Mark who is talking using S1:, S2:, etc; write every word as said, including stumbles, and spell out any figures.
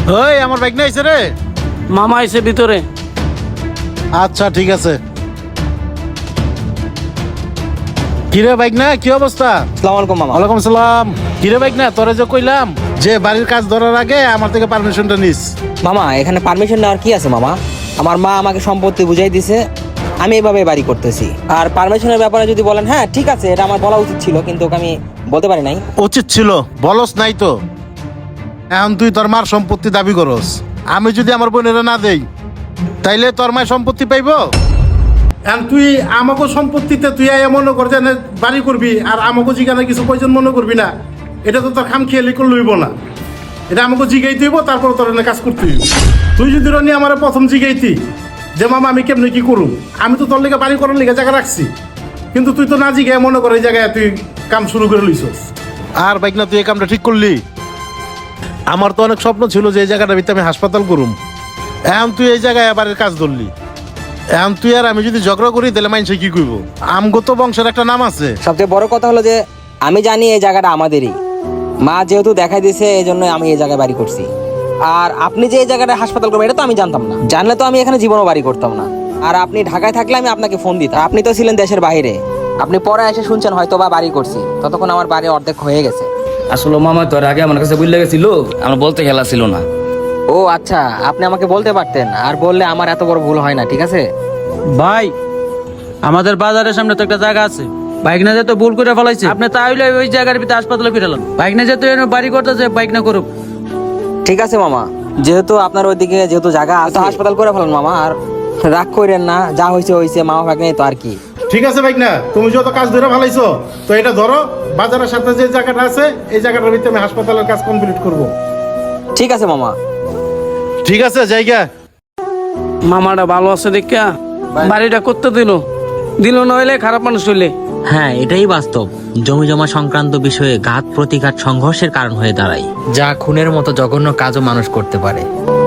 S1: ওই আমার বাইক নিয়ে আইছে রে।
S2: মামা আইছে ভিতরে।
S1: আচ্ছা ঠিক আছে। কিরে বাইক না, কি অবস্থা?
S3: আসসালামু আলাইকুম মামা।
S1: ওয়ালাইকুম সালাম। কিরে বাইক না, তোরে যে কইলাম যে বাড়ির কাজ ধরার আগে আমার থেকে পারমিশনটা নিস।
S3: মামা এখানে পারমিশন নেওয়ার কি আছে মামা? আমার মা আমাকে সম্পত্তি বুঝাই দিছে, আমি এভাবে বাড়ি করতেছি। আর পারমিশনের ব্যাপারে যদি বলেন, হ্যাঁ ঠিক আছে, এটা আমার বলা উচিত ছিল, কিন্তু ওকে আমি বলতে পারি নাই।
S1: উচিত ছিল, বলস নাই তো। এখন তুই তোর মার সম্পত্তি দাবি করস, আমি যদি আমার বোনেরা না দেই তাইলে তোর মায়ের সম্পত্তি পাইব? এখন তুই আমাকে সম্পত্তিতে তুই আয়া মনে কর যে বাড়ি করবি, আর আমাকে জিগানে কিছু প্রয়োজন মনে করবি না, এটা তো তোর খাম খেয়ালি করে লইব না। এটা আমাকে জিগাইতে হইব, তারপর তোর এনে কাজ করতে হইব। তুই যদি রনি আমার প্রথম জিগাইতি যে মামা আমি কেমনে কি করুম, আমি তো তোর লেগে বাড়ি করার লেগে জায়গা রাখছি, কিন্তু তুই তো না জিগায় মনে করে এই জায়গায় তুই কাম শুরু করে লইছস। আর বাইক না, তুই এই কামটা ঠিক করলি? আমার তো অনেক স্বপ্ন ছিল যে এই জায়গাটা ভিতরে আমি হাসপাতাল করুম, এখন তুই এই জায়গায় আবার কাজ ধরলি। এখন তুই আর আমি যদি ঝগড়া করি তাহলে মানুষে কি করবো? আমগো তো বংশের একটা নাম আছে।
S3: সবচেয়ে বড় কথা হলো যে আমি জানি এই জায়গাটা আমাদেরই, মা যেহেতু দেখাই দিয়েছে এই জন্য আমি এই জায়গায় বাড়ি করছি। আর আপনি যে এই জায়গাটা হাসপাতাল করবেন এটা তো আমি জানতাম না, জানলে তো আমি এখানে জীবনও বাড়ি করতাম না। আর আপনি ঢাকায় থাকলে আমি আপনাকে ফোন দিতাম, আপনি তো ছিলেন দেশের বাইরে, আপনি পরে এসে শুনছেন হয়তো বা বাড়ি করছি, ততক্ষণ আমার বাড়ি অর্ধেক হয়ে গেছে।
S4: আসলে মামা তোর আগে আমার কাছে বুঝলে গেছিল, আমার বলতে খেলা ছিল না।
S3: ও আচ্ছা, আপনি আমাকে বলতে পারতেন, আর বললে আমার এত বড় ভুল হয় না। ঠিক আছে
S2: ভাই, আমাদের বাজারের সামনে তো একটা জায়গা আছে, বাইক না যেতে ভুল করে ফেলাইছে। আপনি তাহলে ওই জায়গার ভিতরে হাসপাতালে ফিরালেন। বাইক না যেতে বাড়ি করতেছে, বাইক না করুক।
S3: ঠিক আছে মামা, যেহেতু আপনার ওইদিকে যেহেতু জায়গা আছে, হাসপাতাল করে ফেলেন মামা। আর রাগ করেন না, যা হয়েছে হয়েছে, মামা ভাগ নেই তো আর কি।
S1: ঠিক আছে বাইক না, তুমি যত কাজ ধরে ভালাইছো তো এটা ধরো, বাজারের সাথে যে জায়গাটা আছে এই জায়গাটার ভিতরে আমি হাসপাতালের কাজ কমপ্লিট করব।
S3: ঠিক আছে মামা।
S1: ঠিক আছে জায়গা।
S2: মামাটা ভালো আছে দেখা বাড়িটা করতে দিল দিল নইলে খারাপ মানুষ হইলে।
S5: হ্যাঁ, এটাই বাস্তব। জমি জমা সংক্রান্ত বিষয়ে ঘাত প্রতিঘাত সংঘর্ষের কারণ হয়ে দাঁড়ায়, যা খুনের মতো জঘন্য কাজও মানুষ করতে পারে।